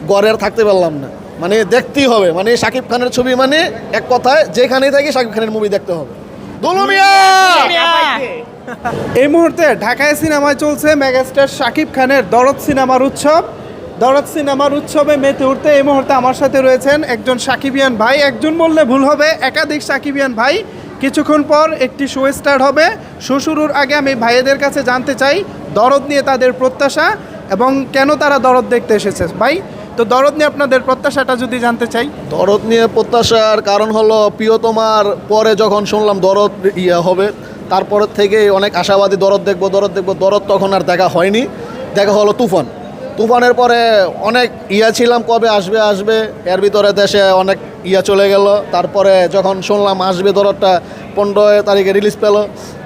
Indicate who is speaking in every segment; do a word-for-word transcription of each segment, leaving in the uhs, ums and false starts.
Speaker 1: ঘরে থাকতে পারলাম না, মানে দেখতেই হবে, মানে শাকিব খানের ছবি মানে এক কথায় যেখানেই থাকি শাকিব খানের মুভি দেখতে হবে। দুলু মিয়া
Speaker 2: এই মুহূর্তে ঢাকায় সিনেমায় চলছে মেগাস্টার শাকিব খানের দরদ সিনেমার উৎসব। দরদ সিনেমার উৎসবে মেতে উঠতে এই মুহূর্তে আমার সাথে রয়েছেন একজন সাকিবিয়ান ভাই, একজন বললে ভুল হবে, একাধিক সাকিবিয়ান ভাই। কিছুক্ষণ পর একটি শো স্টার্ট হবে। শো শুরুর আগে আমি ভাইয়েদের কাছে জানতে চাই দরদ নিয়ে তাদের প্রত্যাশা এবং কেন তারা দরদ দেখতে এসেছে। ভাই, তো দরদ নিয়ে আপনাদের প্রত্যাশাটা যদি জানতে চাই।
Speaker 1: দরদ নিয়ে প্রত্যাশার কারণ হলো প্রিয়তমার পরে যখন শুনলাম দরদ ইয়া হবে, তারপরের থেকে অনেক আশাবাদী দরদ দেখবো দরদ দেখবো দরদ তখন আর দেখা হয়নি, দেখা হলো তুফান। তুফানের পরে অনেক ইয়া ছিলাম কবে আসবে আসবে, এর ভিতরে দেশে অনেক ইয়া চলে গেল। তারপরে যখন শুনলাম আসবে দরদটা পনেরো তারিখে রিলিজ পেল,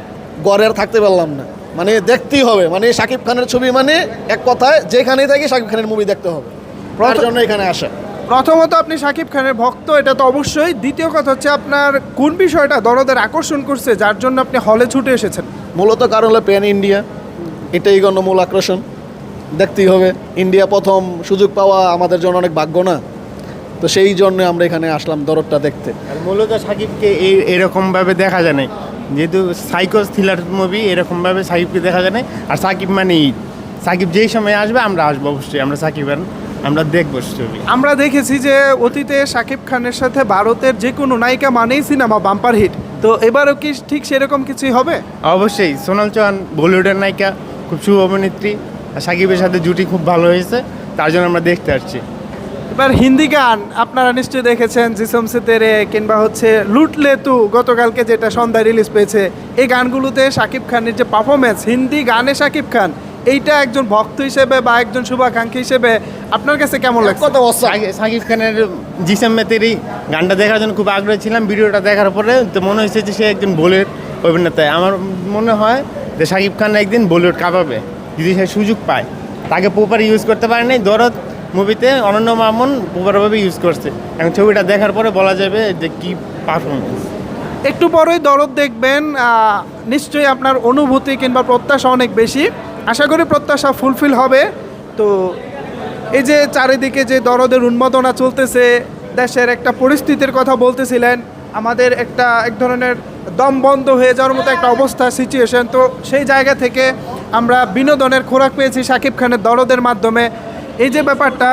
Speaker 1: ঘরে থাকতে পারলাম না, মানে দেখতেই হবে, মানে শাকিব খানের ছবি মানে এক কথায় যেখানেই থাকি শাকিব খানের মুভি দেখতে হবে, তার জন্য এখানে আসা।
Speaker 2: প্রথমত আপনি শাকিব খানের ভক্ত, এটা তো অবশ্যই। দ্বিতীয় কথা হচ্ছে আপনার কোন বিষয়টা দরদের আকর্ষণ করছে যার জন্য আপনি হলে ছুটে এসেছেন?
Speaker 1: মূলত কারণ হলো প্যান ইন্ডিয়া, এটাই গণ্য মূল আকর্ষণ, দেখতেই হবে। ইন্ডিয়া প্রথম সুযোগ পাওয়া আমাদের জন্য অনেক ভাগ্য না, তো সেই জন্য আমরা এখানে আসলাম দরদটা দেখতে।
Speaker 3: আর মূলত সাকিবকে এই এরকমভাবে দেখা যায় না, যেহেতু সাইকো থ্রিলার মুভি, এরকমভাবে সাকিবকে দেখা যায় না। আর সাকিব মানে ঈদ, সাকিব যেই সময় আসবে আমরা আসবো অবশ্যই, আমরা সাকিব আমরা দেখবো ছবি।
Speaker 2: আমরা দেখেছি যে অতীতে শাকিব খানের সাথে ভারতের যে কোনো নায়িকা মানেই সিনেমা বাম্পার হিট, তো এবারও কি ঠিক সেরকম কিছুই হবে?
Speaker 3: অবশ্যই। সোনাল চৌহান বলিউডের নায়িকা, খুব শুভ অভিনেত্রী, আর সাকিবের সাথে জুটি খুব ভালো হয়েছে, তার জন্য আমরা দেখতে আসছি।
Speaker 2: এবার হিন্দি গান আপনারা নিশ্চয়ই দেখেছেন, জিসম সে তেরে কিংবা হচ্ছে লুটলে তু, গতকালকে যেটা সন্ধ্যায় রিলিজ পেয়েছে। এই গানগুলোতে শাকিব খানের যে পারফরমেন্স, হিন্দি গানে শাকিব খান, এইটা একজন ভক্ত হিসেবে বা একজন শুভাকাঙ্ক্ষী হিসেবে আপনার কাছে কেমন লাগে?
Speaker 1: কত বছর
Speaker 3: সাকিব খানের জিসম মে তেরি গানটা দেখার জন্য খুব আগ্রহী ছিলাম। ভিডিওটা দেখার পরে তো মনে হয়েছে যে সে একজন বলিউড অভিনেতা। আমার মনে হয় যে শাকিব খান একদিন বলিউড কাঁপাবে যদি সে সুযোগ পায়। তাকে প্রপার ইউজ করতে পারে নাই, দরদ মুভিতে অনন্য মামুন প্রপারভাবে ইউজ করছে। এখন ছবিটা দেখার পরে বলা যাবে যে কি পারফরমেন্স।
Speaker 2: একটু পরেই দরদ দেখবেন, নিশ্চয়ই আপনার অনুভূতি কিংবা প্রত্যাশা অনেক বেশি। আশা করি প্রত্যাশা ফুলফিল হবে। তো এই যে চারিদিকে যে দরদের উন্মাদনা চলতেছে, দেশের একটা পরিস্থিতির কথা বলতেছিলেন, আমাদের একটা এক ধরনের দম বন্ধ হয়ে যাওয়ার মতো একটা অবস্থা, সিচুয়েশন। তো সেই জায়গা থেকে আমরা বিনোদনের খোরাক পেয়েছি শাকিব খানের দরদের মাধ্যমে। এই যে ব্যাপারটা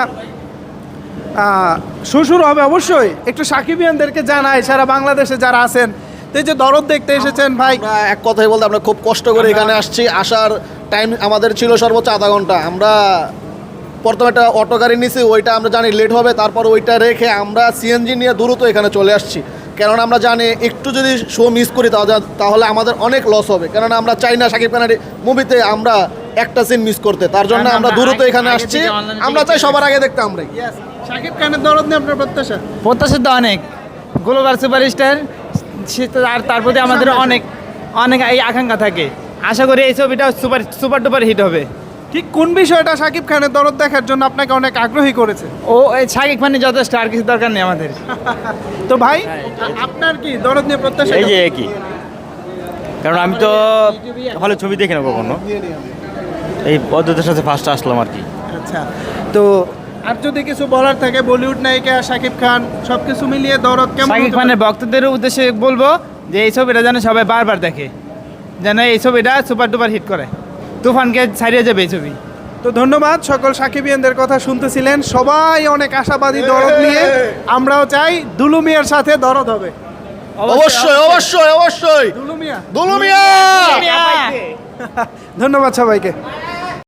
Speaker 2: শ্বশুর হবে অবশ্যই একটু সাকিবিয়ানদেরকে জানাই, সারা বাংলাদেশে যারা আছেন। তো এই যে দরদ দেখতে এসেছেন ভাই,
Speaker 1: আমরা এক কথাই বলতে আমরা খুব কষ্ট করে এখানে আসছি। আসার টাইম আমাদের ছিল সর্বোচ্চ আধা ঘন্টা। আমরা প্রথমে একটা অটো গাড়ি নিয়েছি, ওইটা আমরা জানি লেট হবে, তারপর ওইটা রেখে আমরা সিএনজি নিয়ে দ্রুত এখানে চলে আসছি। কেননা আমরা জানি একটু যদি শো মিস করি তাহলে আমাদের অনেক লস হবে, কেননা আমরা চাই না শাকিব খানের মুভিতে আমরা একটা সিন মিস করতে, তার জন্য আমরা দ্রুত এখানে আসছি। আমরা চাই সবার আগে দেখতে আমরাই।
Speaker 2: শাকিব খানের দরদ নিয়ে আপনার প্রত্যাশা?
Speaker 4: প্রত্যাশা তো অনেক, গ্লোবাল সুপারস্টার, আর তার প্রতি আমাদের অনেক অনেক এই আকাঙ্ক্ষা থাকে। আশা করি এই ছবিটা সুপার সুপার ডুপার হিট হবে।
Speaker 2: ঠিক কোন বিষয়টা শাকিব খানের দরদ দেখার জন্য আপনাকে অনেক আগ্রহী করেছে?
Speaker 4: ও এই শাকিব খানের যথেষ্ট, আর কিছু দরকার নেই আমাদের।
Speaker 2: তো ভাই, আপনার কি দরদ নিয়ে প্রত্যাশা?
Speaker 5: এই যে একই, কারণ আমি তো হলে ছবি দেখি না কখনো, এই পদ্ধতির সাথে ফার্স্ট আসলাম আর কি।
Speaker 2: আচ্ছা, তো আর যদি কিছু বলার থাকে, বলিউড নায়িকা শাকিব খান, সব কিছু মিলিয়ে দরদ কেমন?
Speaker 4: শাকিব খানের ভক্তদের উদ্দেশ্যে বলবো যে এই ছবিটা যেন সবাই বারবার দেখে, যেন এই ছবিটা সুপার ডুপার হিট করে, তুফানকে ছাড়িয়ে যাবে এই ছবি।
Speaker 2: তো ধন্যবাদ। সকল সাকিবিয়ানদের কথা শুনতেছিলেন, সবাই অনেক আশাবাদী দরদ নিয়ে। আমরাও চাই দুলু মিয়ার সাথে দরদ হবে।
Speaker 1: অবশ্যই অবশ্যই অবশ্যই
Speaker 2: দুলু মিয়া,
Speaker 1: দুলু মিয়া।
Speaker 2: ধন্যবাদ সবাইকে।